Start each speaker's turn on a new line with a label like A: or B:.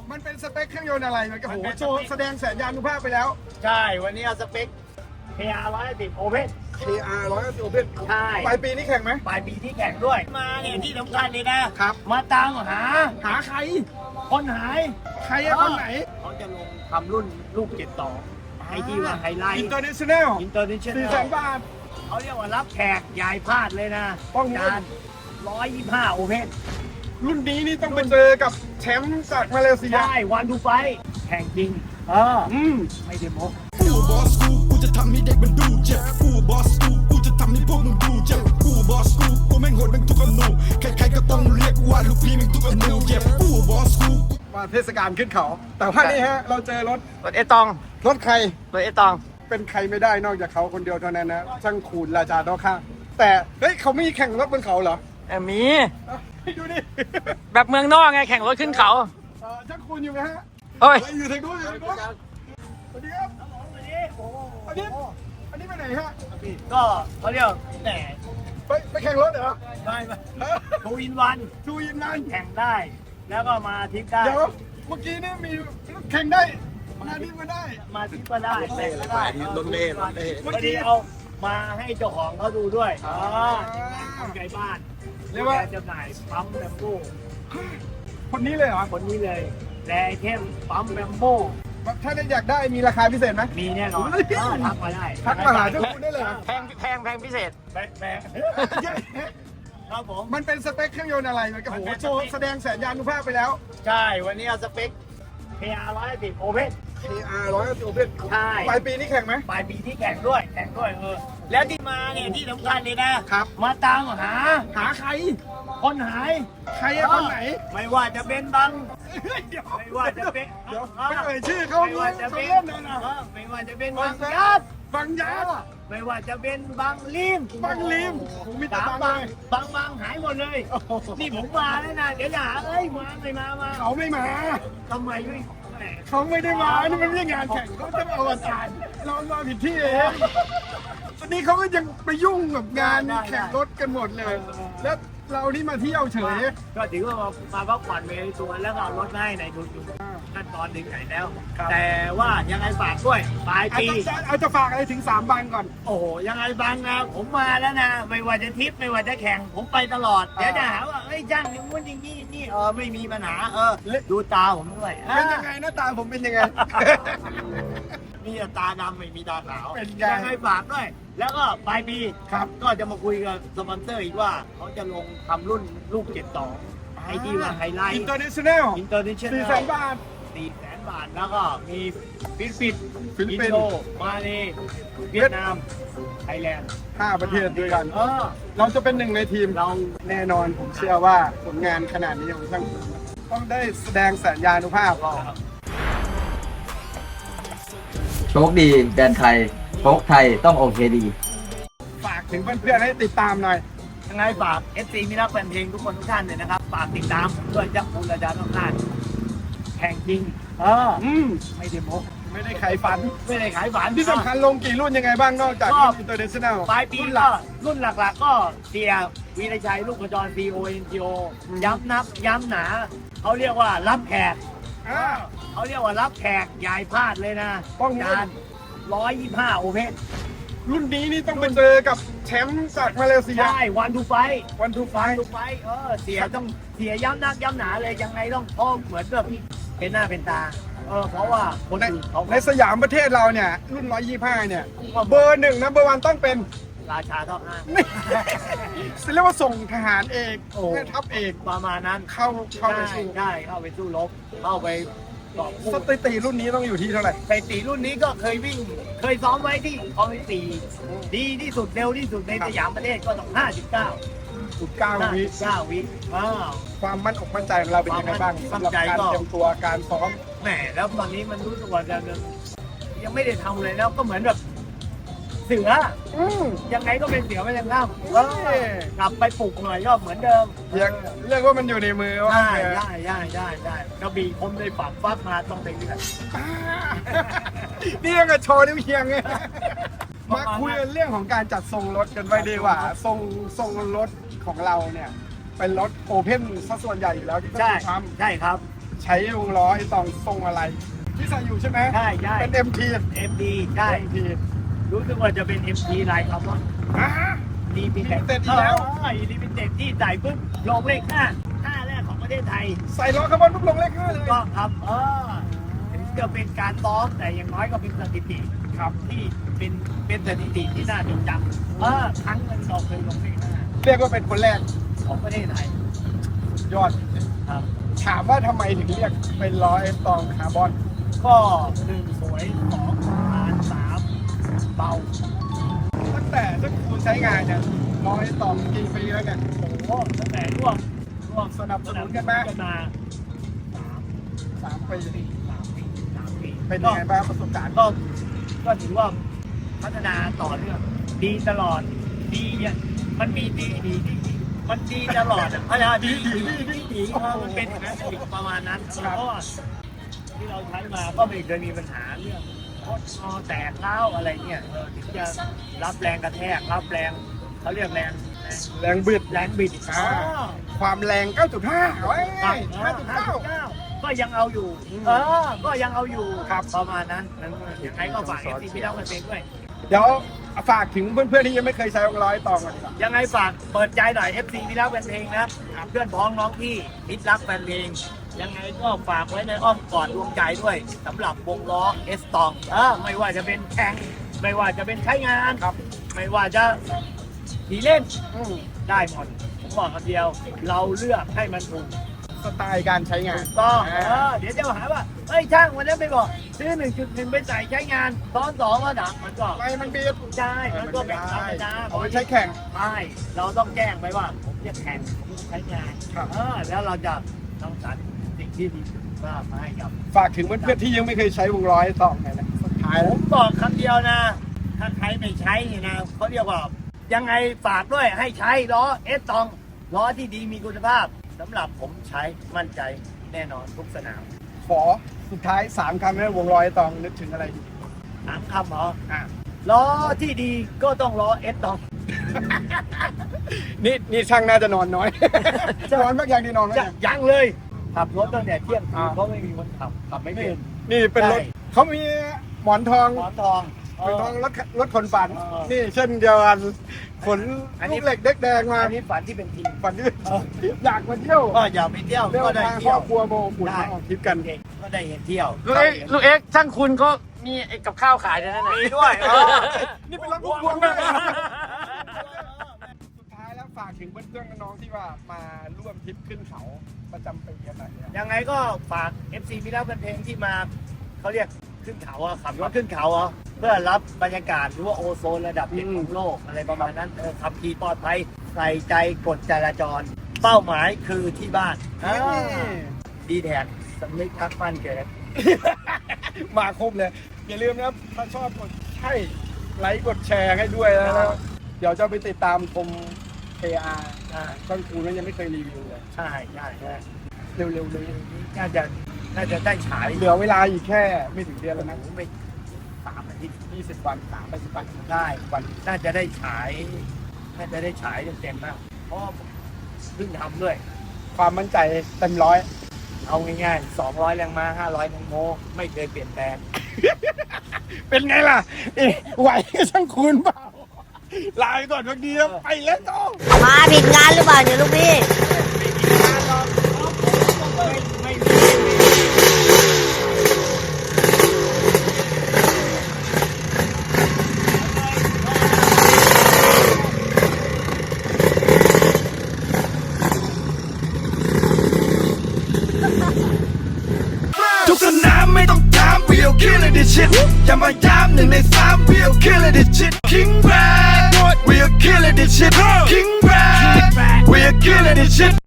A: มันเป็นสเปคเครื่องยนต์อะไรมันก็โหโชว์แสดงสัญญาณุภาพไปแล้ว
B: ใช่วันนี้เอาสเปค KR 110 Open
A: KR 110 Open
B: ใช่
A: ปลายปีนี้แข่งไหม
B: ปลายปีที่แข่งด้วยมาเนี่ยที่สำคัญเลยนะครับ มาตามหา
A: หาใคร
B: คนหาย
A: ใครอะคนไหน
B: เขาจะลงทำรุ่นลูก72ไอ้ที่ว่าไฮไลท์
A: International
B: 400,000
A: บาท
B: เขาเรียกว่ารับแขกยายพลาดเลยนะ
A: ต้องรุ่น
B: จาน125 Open
A: รุ่นนี้นี่ต้องไปเจอกับแชมป์จากมาเลเซีย
B: ใช่วันทูไฟแข่งจริงไม่ได้โม้
C: กูบอสกูจะทำให้เด็กมันดูเจ็บกูบอสกูจะทำให้พวกมึงดูเจ็บกูบอสกูแม่งโหดแม่งทุกอนูใครๆก็ต้องเรียกว่าลูกพี่แม่งทุกอนูเจ็บกูบอสกู
A: มาเทศกาลขึ้นเขา แต่ว่านี่ฮะเราเจอรถ
B: รถเอตอง
A: รถใคร
B: รถเอตอง
A: เป็นใครไม่ได้นอกจากเขาคนเดียวเท่านั้นนะช่างคูณราชาด้อข้างแต่เฮ้ยเขาไม่มีแข่งรถบนเขาเหรอ
D: มี
A: ให้ดูดิ
D: แบบเมืองนอกไงแข่งรถขึ้นเขา
A: ช่างคูณอยู่ไหมฮะ
D: เฮ้ย
A: อยู่ทางนู้นอยู่ทางนู้นสวัสดีครับอันนี้ไปไหนฮะ
B: ก็เขาเรียกแหม
A: ไปแข่งรถเหรอ
B: ไม่ทูอินวัน
A: ทูยินมัน
B: แข่งได้ แล้วก็มาทริปได้
A: เดี๋ยวเมื่อกี้นี่มีแข่งได้มานี่มาได้
B: มาทริปก็ได้แต่ก็ได้
C: รถเล่รถเล่
B: วันนี้เอามาให้เจ้าของเขาดูด้วยคนไกลบ้าน
A: เรียกว่า
B: จำหน่ายปั๊มแบมโบ้
A: คนนี้เลยเหรอ
B: คนนี้เลยแดเทมปั๊มแบมโบ้
A: ถ้าได้อยากได้มีราคาพิเศษไหม
B: มีแน่นอนทักมาได้
A: ทักมาหาเจ้าคุณได้เลยเหรอ
D: แพงพิเศษ
B: แปะครับผม
A: มันเป็นสเปคเครื่องยนต์อะไรมันก็โหโชว์แสดงสัญญาณุภาพไปแล้ว
B: ใช่วันนี้เอาสเปค KR 110 Open
A: KR 110 Open
B: ใช่
A: ปลายปีนี้แข่งไหม
B: ปลายปีที่แข่งด้วยแล้วที่มาเนี่ยที่สำคัญเลยนะครับ มาตามหา
A: หาใคร
B: คนหาย
A: ใครอะคนไหน
B: ไม่ว่าจะเป็นบัง
A: เดี๋ยว
B: ไม่ว่าจะเป็น
A: เดี๋ยวไม่เอ่ยชื่อเขา
B: ไม่ว่าจะเป็น
A: เล่นเลยนะ
B: ไม่ว่าจะเป็นบังยัด
A: บังยัด
B: ไม่ว่าจะเป็นบังลิม
A: บังลิมผมมีแต่
B: สาม
A: บั
B: บั
A: ง
B: ง
A: เลย
B: บังหายหมดเลย นี่ผมมาแล้วนะเดี๋ยวอย่าเอ้ยมาไม่มา
A: เขาไม่มา
B: ทำไมไม่แหม
A: เขาไม่ได้มานี่มันไม่ใช่งานแข่งเขาจะมาอวสานเรามาผิดที่เองตอนนี้เขาก็ยังไปยุ่งกับงานแข่งรถกันหมดเลย แล้วเรานี่มาเที่ยวเฉย
B: ก็ถือว่ามาพักผ่อนไปในตัวแล้วก็เอารถมาให้ในทุนอยู่ขั้นตอนถึงไหนแล้ว แต่ว่ายังไงฝากด้วยปลายปี
A: เอาจะฝากอะไรถึง3 บังก่อน
B: โอ้โหยังไงบางนะผมมาแล้วนะ ไม่ว่าจะทริปไม่ว่าจะแข่งผมไปตลอด เดี๋ยวจะหาว่าเอ้ยจ้างอย่างงู้นอย่างนี้นี่ไม่มีปัญหาดูตาผมด้วย
A: เป็นยังไงหน้าตาผมเป็นยังไง
B: มีแต่ตาดำไม่มีตาขาว
A: เป็นไง
B: ยังไงฝากด้วย แล้วก็ปลายปี
A: ครับ
B: ก็จะมาคุยกับสปอนเซอร์อีกว่าเขาจะลงทำรุ่นลูก72ไอ้ที่ว่าไฮไลท์
A: International
B: อินเตอร์เนชั่นแนล
A: 400,000 บาท
B: 400,000 บาทแล้วก็มีฟิลิปปินส์
A: ฟิลิปปินส์
B: อินโดมาเลเวียดนามไทยแลนด์
A: 5 ประเทศด้วยกัน
B: เออ
A: เราจะเป็นหนึ่งในทีม
B: เรา
A: แน่นอนผมเชื่อว่าผลงานขนาดนี้ของช่างภูมิต้องได้แสดงสัญญาณุภาพ
E: โชคดีแดนไทยโชคไทยต้องโอเคดี
A: ฝากถึงเพื่อนๆให้ติดตามหน่อย
B: ยังไงฝาก FC มิรักแฟนเพลงทุกคนทุกท่านเลยนะครับฝากติดตามผมด้วยเจ้าคุณระดาต้องการแข่งจริงไม่ได้โม้
A: ไม่ได้ขายฝัน
B: ไม่ได้ขายฝัน
A: ที่สำคัญลงกี่รุ่นยังไงบ้างนอกจาก
B: ก็
A: International
B: ปลายปี
A: รุ่นห
B: ก็
A: ลัก
B: รุ่นหลักๆก็เสียวีรชัยลูกกระจร CONGO ย้ำนับย้ำหนาเขาเรียกว่ารับแขก
A: อ่า
B: เขาเรียกว่ารับแขกยายพลาดเลยนะ
A: ต้อง
B: จาน125 โอเพน
A: รุ่นนี้นี่ต้องไปเจอกับแชมป์จากมาเลเซีย
B: ใช่วันทูไฟ
A: วันทูไฟ
B: ทุกไฟเสียต้องเสียย้ำนักย้ำหนาเลยยังไงต้องพ้องเหมือนแบบเป็นหน้าเป็นตาเพราะว่าคน
A: ใน
B: อื่นเขา
A: ในสยามประเทศเราเนี่ย รุ่น 125 เนี่ย เบอร์ 1 นะเบอร์ 1 ต้องเป็น
B: ราชาท่อห้า
A: นี่เรียกว่าส่งทหารเอก
B: โอ้
A: แม่ทัพเอก
B: ประมาณนั้น
A: เข้าไปสู้
B: ได้เข้าไปสู้รบเข้าไปต่อสู้
A: สถิติรุ่นนี้ต้องอยู่ที่เท่าไหร่
B: ไปตีรุ่นนี้ก็เคยวิ่ง เคยซ้อมไว้ที่คอมมิตีดีที่สุดเร็วที่สุดในสยามประเทศก็ต้อง
A: 9 วิ
B: 59 วิอ้าว
A: ความมั่นอกมั่นใจของเราเป็นยังไงบ้าง
B: ความมั่
A: สำหรับ
B: นใจ
A: การ
B: ก็
A: เตรียมตัวการซ้อม
B: แหมแล้วตอนนี้มันรู้สึกว่าจะยังไม่ได้ทำเลยแล้วก็เหมือนแบบเสือ ยังไงก็เป็นเสือไม่ยังล่ำกลับไปปลุกหน่อยก็เหมือนเดิม
A: ยังเรียกว่ามันอยู่ในมือว่า
B: ได้กระบี่คมเลยฝักฟักมาต้องไปเรื่อย
A: นี่ยังกับโชว์นิ้วเคียงไงมาคุยกันเรื่องของการจัดทรงรถกันไว้ดีกว่าทรงรถของเราเนี่ย เป็นรถโอเพ่นซะส่วนใหญ่อยู่แล้วที่ต้อง
B: ใช่
A: ท
B: ใช่ครับ
A: ำใช้วงล้อไอ้ตองทรงอะไร ที่ใส่อยู่ใช่ไหม
B: ใช่ใช่
A: เป็น MT
B: MD ใช่
A: MT
B: รู้สึกว่าจะเป็น MD ลายคาร์บอน
A: อ่า
B: ดีพิเศษ
A: Limited อีกแล้ว
B: ดีพิเศษที่ใส่ปุ๊บลงเลข5แรกของประเทศไทย
A: ใส่ล้อคาร์บอนปุ๊บลงเลข5เลย
B: ก็ครับถึงจะเป็นการซ้อมแต่อย่างน้อยก็เป็นสถิติ
A: ครับ
B: ที่เป็นสถิติที่น่าจดจำครั้งหนึ่งเราเคยลงเลข
A: เรียกว่าเป็นคนแรก
B: 5ของประเทศไทย
A: ยอด
B: ครับ
A: ถามว่าทำไมถึงเรียกเป็นล้อไอ้ตองคาร์บอน
B: ก็1สวย2ทาน3เบา
A: ตั้งแต่ที่คุณใช้งานเนี่ยล้อไอ้ตองกี่ปีแล้วเนี่ย
B: โอ้ตั้งแต่ร่วม
A: สนับสนุนกันมา
B: กันมา
A: 3 ปี
B: 3 ปี
A: เป็นยังไงบ้างประสบการณ์
B: ก็ถือว่าพัฒนาต่อเนื่องดีตลอดดีเนี่ยมันมีดีมันดีตลอดพัฒนาดีมันเป็นอย่างนั้นประมาณนั้นแล้วก็ที่เราใช้มาก็ไม่เคยมีปัญหาเรื่องคดคอแตกเล้าอะไรเนี่ยถึงจะรับแรงกระแทกรับแรงเขาเรียกแรง
A: แรงบิด
B: แรงบิด
A: ความแรง 9.5เว้ย
B: 5.9 ก็ยังเอาอยู่ก็ยังเอาอยู่ครับประมาณนั้นยังไงก็ฝากที่พี่เล่ากันเองด้วย
A: เดี๋ยวฝากถึงเพื่อนๆที่ยังไม่เคยใช้วงล้อไอ้ตองก่อนดีกว่า
B: ยังไงฝากเปิดใจหน่อย FC พี่รักแฟนเพลงนะเพื่อนพ้องน้องพี่มิตรรักแฟนเพลงยังไงก็ฝากไว้ในอ้อมกอดดวงใจด้วยสำหรับวงล้อเอสตองไม่ว่าจะเป็นแข่งไม่ว่าจะเป็นใช้งานครับไม่ว่าจะขี่เล่นได้หมดผมบอกคำเดียวเราเลือกให้มันถูก
A: สไตล์การใช้งาน
B: ต้องเดี๋ยวจะหาว่าเฮ้ยช่างวันนี้ไม่บอกซื้อ 1.1 ไปใส่ใช้งานซ้อน2ก็ดังมันก็
A: ไม่มันบีบ
B: ใช่มันก็เป็นธรรมดา
A: เอาไปใช้แข่ง
B: ใช่เราต้องแจ้งไปว่าผมจะแข่งใช้งาน
A: ครับ
B: แล้วเราจะต้องสรรสิ่งที่ดีมาให้กับ
A: ฝากถึงเพื่อนๆที่ยังไม่เคยใช้วงล้อไอ้ตองหน่อยนะสุดท้าย
B: ผ
A: แล้ว
B: มบอกคำเดียวนะ ถ้าใครไม่ใช้นี่นะเขาเรียกว่ายังไงฝากด้วยให้ใช้ล้อเอสตองล้อที่ดีมีคุณภาพสำหรับผมใช้มั่นใจแน่นอนทุกสนาม
A: ขอสุดท้าย3 คำให้วงล้อไอ้ตองนึกถึงอะไรดี
B: 3 คำเหรอล้อที่ดีก็ต้องล้อเอสตอง
A: นี่ช่างน่าจะนอนน้อย นอนมากอย่างที่นอนไหม
B: ยังเลยขับรถตั้งแต่เที่ยงคืนเพราะไม่มีคนขับไม่เป็น
A: นี่เป็นรถ
B: ใช่
A: เขามีหมอนทอง
B: หมอนทอง
A: หมอนทองรถขนฝัน
B: เออ
A: นี่เช่นเดียวกันขน
B: อันนี้
A: ลูกเหล็กเด็กแดงมา
B: อันนี้ฝันที่เป็นจริง
A: ฝันที่อยากมาเที่ยว
B: ก็อย่าไปเที่ยว
A: เที่ยว
B: ก็ได้
A: มาค
B: เที่
A: ร
B: ย
A: อ
B: ว
A: บครัวโมกุ่น
B: ได้
A: มาออกทริปกัน
B: ก็ได้เห็นเที่ยว
D: ลูกเอ็กซ์ช่างคุณก็มีไอ้กับข้าวขายด้วยนะ
B: มีด้วย
A: นี่เป็นรถพวงเลยสุดท้ายแล้วฝากถึงเพื่อนๆน้องๆที่ว่ามาร่วมทริปขึ้นเขาประจำปีกันหน่อยเนี่ย
B: ยังไงก็ฝาก FC มิรักเป็นเพลงที่มาเขาเรียกขึ้นเขาขับรถขึ้นเขาเพื่อรับบรรยากาศหรือว่าโอโซนระดับเด็กของโลกอะไรประมาณนั้นขับขี่ปลอดภัยใส่ใจกฎจราจร เป้าหมายคือที่บ้านดีแท็กสำนึกทักมั่นเกิด
A: มาครบเลย อย่าลืมนะครับถ้าชอบกดใช่ไลค์กดแชร์ให้ด้วยแล้วเดี๋ยวจะไปติดตามชม KR ต้นคูนั้นยังไม่เคยรีวิวเลย
B: ใช่
A: เร็วๆเลย
B: น่าจะได้ฉาย
A: เหลือเวลาอีกแค่ไม่ถึงเดือนแล้วนะ
B: ไม่3 อาทิตย์
A: 20 วัน30 วัน
B: ได้
A: วัน
B: น่าจะได้ฉายเต็มๆมากเพราะเพิ่งทำด้วย
A: ความมั่นใจเต็มร้อย
B: เอาง่ายๆ200 แรงม้า500 แรงโมไม่เคยเปลี่ยนแปลง
A: เป็นไงล่ะไหวก็ช่างคูณเปล่าลาไปก่อนวันนี้แล้วไปแล้วต้อง
F: มาผิดงานหรือเปล่าเนี่ยลูกพี่
C: ทุกสนามไม่ต้องถาม we'll kill it this shit อย่ามาย้ำ1 ใน 3 we'll kill it this shit King Brad we'll kill it this shit King Brad we'll kill it this shit